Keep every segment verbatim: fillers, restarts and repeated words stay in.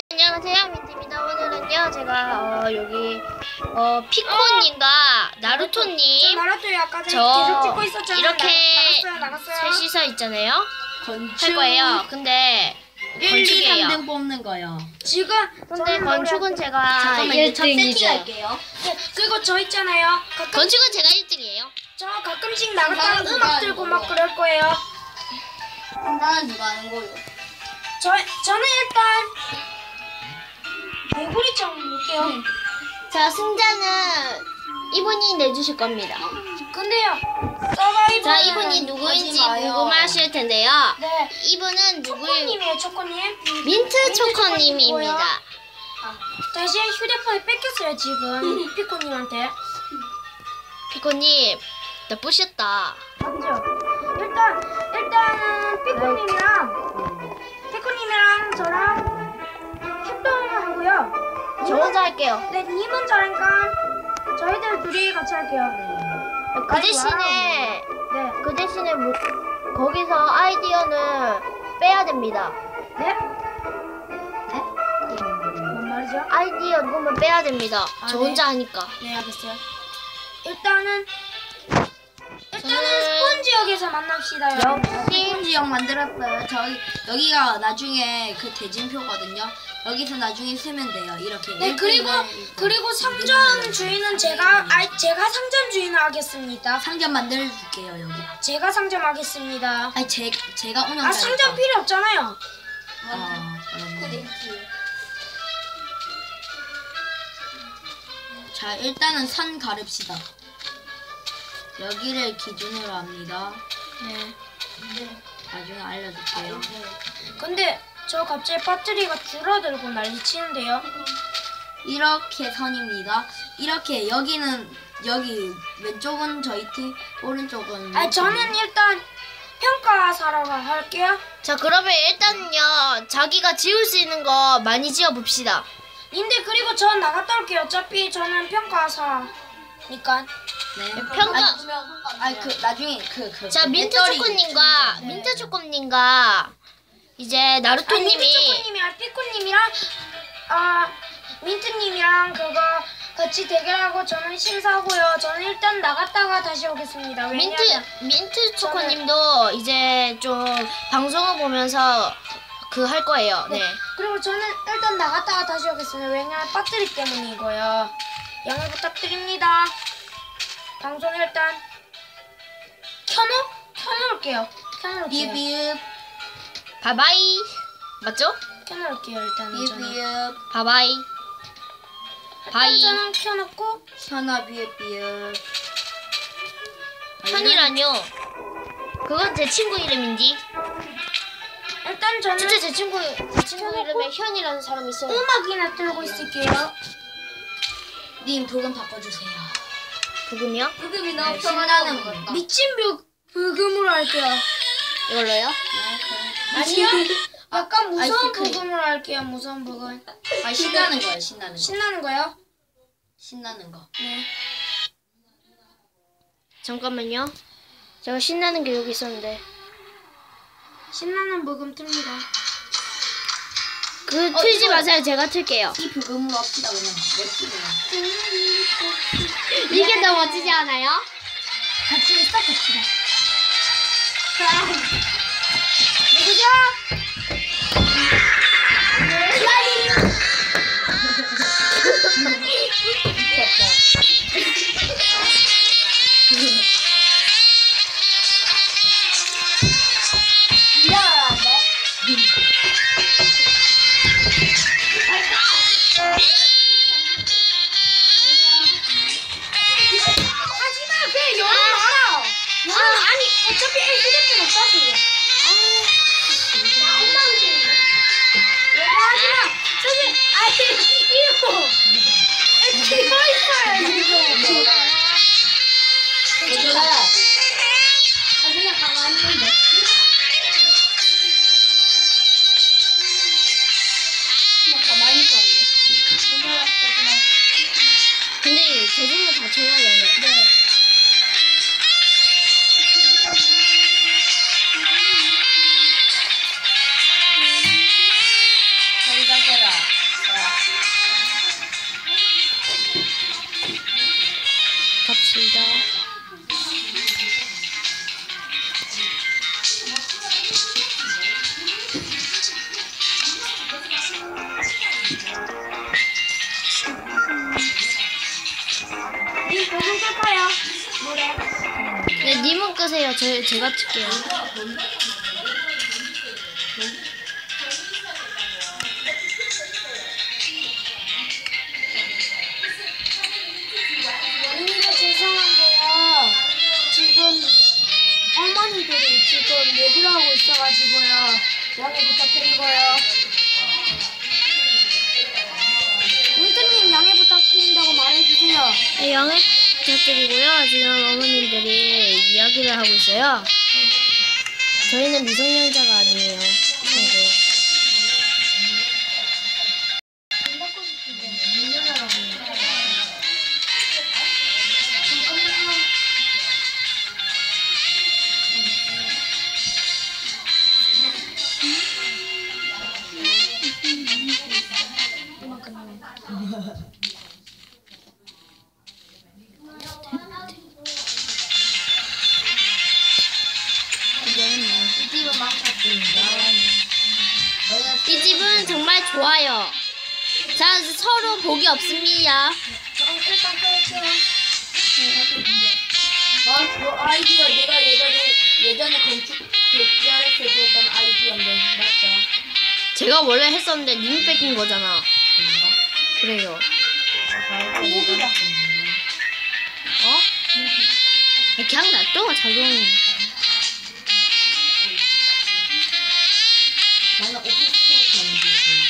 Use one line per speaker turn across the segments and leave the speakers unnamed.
안녕하세요, 민트입니다. 오늘은요 제가 어, 여기 어, 피코님과 나루토님
저 나루토 아까 전에
저
계속 찍고 있었잖아요.
이렇게
나갔어요, 나갔어요.
셋이서 있잖아요.
건축
할 거예요. 근데
일, 이,
건축이에요.
삼 등 뽑는 거요.
지금
근데
저는
건축은 제가
잠깐만요. 첫
일 등이죠.
세팅할게요.
네, 그리고 저 있잖아요. 가끔
건축은 제가 일 등이에요.
저 가끔씩 나갔다가
나는 누가
음악
하는
들고 막
거예요?
그럴 거예요.
나는 누가 하는 거요?
저 저는 일단 개구리 좀 볼게요.
자, 승자는 이분이 내주실 겁니다.
근데요, 서바이벌.
자, 이분이 누구인지
하지 마요.
궁금하실 텐데요.
네,
이분은 누구일?
초코님이에요, 초코님.
민트
초코님이고요.
초코님입니다.
다시 휴대폰을 뺏겼어요 지금 피코님한테.
피코님 나쁘셨다.
맞죠? 일단 일단은 피코님이랑 피코님이랑 저랑 협동을 하고요.
저 혼자 할게요.
네, 님은 저니까 저희들 둘이 같이 할게요.
그 대신에
네,
그 대신에 뭐, 거기서 아이디어는 빼야 됩니다.
네? 네? 뭔 말이죠?
아이디어 누구면 빼야 됩니다.
아,
저
네.
혼자 하니까.
네, 알겠어요. 일단은 일단은
저는-
스폰 지역에서 만납시다. 여러분.
역시
지역 만들었어요. 저기 여기가 나중에 그 대진표거든요. 여기서 나중에 쓰면 돼요. 이렇게.
네, 그리고 그리고 상점 주인은 제가 아 제가 상점 주인을 하겠습니다.
상점 만들어 줄게요 여기.
제가 상점하겠습니다.
아니 제 제가 운영.
아, 상점 필요 없잖아요.
아, 그러네. 자 일단은 선 가릅시다. 여기를 기준으로 합니다.
네.
나중에 알려줄게요.
근데 저 갑자기 배터리가 줄어들고 난리치는데요.
이렇게 선입니다. 이렇게 여기는 여기 왼쪽은 저희 팀, 오른쪽은
아, 저는 일단 평가사라고 할게요.
자, 그러면 일단은요 자기가 지을 수 있는 거 많이 지어 봅시다.
님들 그리고 전 나갔다 올게요. 어차피 저는 평가사니까.
네.
평가-
아니 그 나중에 그 그.
자,
그
민트
배터리
초코님과
네.
민트 초코님과 이제
아, 민트
나루토님이
초코님이랑 피코님이랑 아 민트님이랑 그거 같이 대결하고 저는 심사하고요. 저는 일단 나갔다가 다시 오겠습니다.
민트
왜냐면
민트 초코님도 이제 좀 방송을 보면서 그 할 거예요. 네.
그리고 저는 일단 나갔다가 다시 오겠습니다. 왜냐면 배터리 때문이고요. 양해 부탁드립니다. 방송 일단 켜놓 켜놓을게요. 켜놓을게요.
비읍
바바이. 맞죠?
켜놓을게요. 일단은 저는.
비읍
바바이.
일단
바이.
저는 켜놓고
현아 비읍 비읍.
현이라뇨. 그건 제 친구 이름인지.
일단 저는
진짜 제 친구 제 친구 이름에 현이라는 사람이 있어요.
음악이나 틀고 있을게요.
님 부금 바꿔주세요.
부금이요?
부금이
너무
신나는 거.
미친 뷰 부금으로 할게요.
이걸로요?
아니요. 약간 무서운
아이스크림.
부금으로 할게요. 무서운 부금.
아 신나는 거예요. 신나는 거.
신나는 거요?
신나는 거.
네.
잠깐만요. 제가 신나는 게 여기 있었는데.
신나는 부금 틉니다.
그
어,
틀지
이거-
마세요. 제가 틀게요.
이 부금으로 합시다 그냥. 랩
이게 더 멋지지 않아요?
같이 있어 같이. 누구죠? 하지마, 그냥 열어 놔라. 열어 아니 어차피 휴대폰 없다 지금. 나 엉망진이야. 하지마. 저기 아니 이거 이거 있어요 이거. 아 그냥 가만히 있는데. 그냥 가만히 있었는데.
근데 저 정도 다 쳐야 되네.
네.
생각해라.
조금만 끄세요. 제, 제가 틀게요.
어린이가 죄송한데요. 지금 어머니들이 지금 얘기를 하고 있어가지고요. 양해 부탁드리고요. 민트님 양해 부탁드린다고 말해주세요.
네, 양해 부탁드리고요. 지금 어머님들이 이야기를 하고 있어요. 저희는 미성년자가 아니에요. 그리고 이 집은 정말 좋아요. 자, 서로 복이 없습니다.
일단 끌게요.
아, 그 아이디어 내가 예전에 예전에 건축 대결했을 때 했던 아이디어인데 맞죠?
제가 원래 했었는데 님이 뺏긴 거잖아. 그래요.
무기다.
어? 그냥 놔둬, 자동.
나는 오피스텔 가는 중.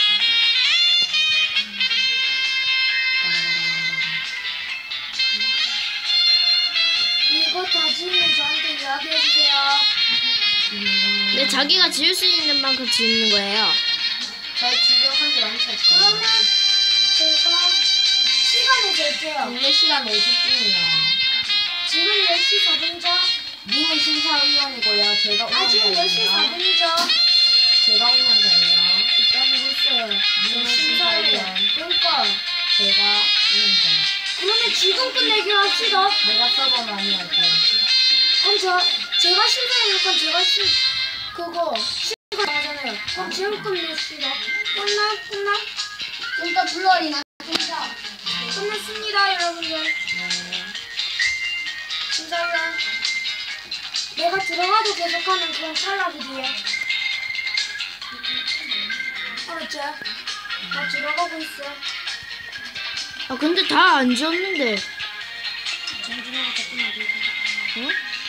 이거 다 지으면 저한테 이야기해주세요.
근데 자기가 지을 수 있는 만큼 지는 거예요.
저 지금 한개 많이
그러면 제가 시간을 낼게요.
국내 시간 네 시쯤이요.
지금 열 시 사 분이죠?
님은 심사위원이고요. 제가
아, 지금 열 시 사
운영자예요.
분이죠?
제가 운영자예요.
일단 있어요.
님은
심사위원.
심사위원.
그러니까
제가 운영자.
그러면 지금 끝내기로 합시다.
내가 서버 많이 할게.
그럼 저 제가 심사위니까 제가 시 그거 시간 나가잖아요. 그럼 지금 끝냅시다. 끝나 끝나?
일단 불러리나 진짜.
끝났습니다, 여러분들.
네.
심사위원. 내가 들어가도 계속하면 그건 탈락이지요. 알았지? 나 들어가고 있어.
아, 근데 다 안 지었는데.
정준호가 자꾸 나대고.
어?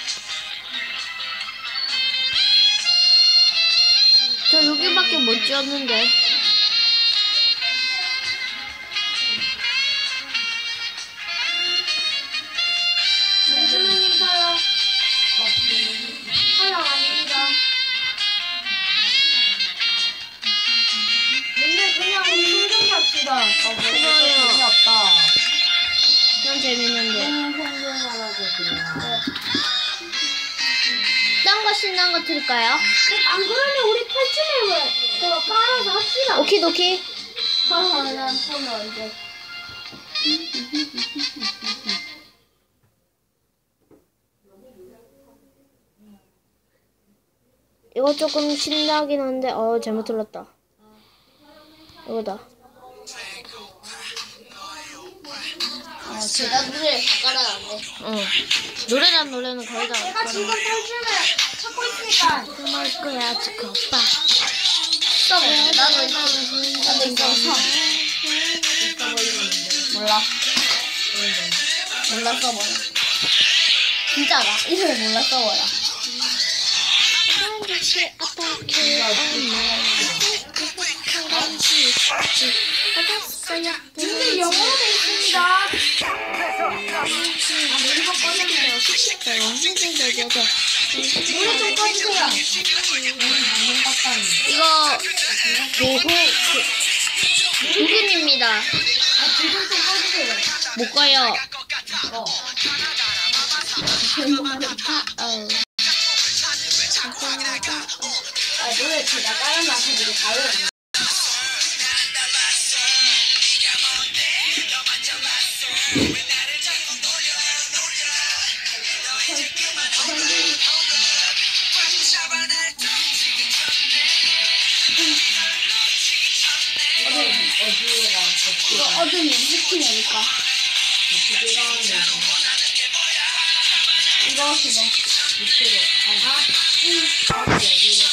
저 여기밖에 못 지었는데.
정준호님 탈락. 탈락 아닙니다. 근데 그냥 우리 흥정 갑시다.
아, 뭐 이거 재미없다.
그냥 재밌는데.
음, 평균하라고 그냥.
딴 거 신난 거 틀까요?
안 그러면 우리 탈출을 그거 깔아서 합시다.
오키도키.
그러면 보면 이제
이거 조금 신나긴 한데, 어, 잘못 틀렸다. 이거다.
아, 제가 노래를 다 깔아놨네.
어. 노래란 노래는 거의 다.
내가 지금 탈출을 찾고 있으니까
그럴 거야, 지금 오빠.
써봐. 나도 이거, 나도 이거 써. 몰라. 몰라 써버려. 진짜가. 이름을 몰라 써버려.
근데 영어로 돼 있습니다. 아, 노래 좀 꺼주세요. 노래 좀 꺼주세요.
이거 도호 도균입니다.
아, 지금 좀 꺼주세요.
못 가요.
어.
어.
아, 노래 제가 깔아놔서 되게 잘 어울려.
이거 어둠이 스킨 해볼까?
이거 해봐. 밑으로. 아니. 아, 여기로.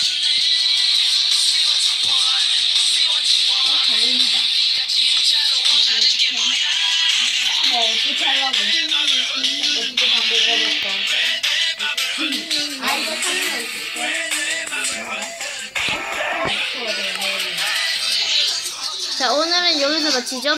어, 달립니다. 뭐 어떻게 하려고? 어떻게 다 먹어봤어? 아 이거 카메라 있을게.
자, 오늘은 여기서 마치죠.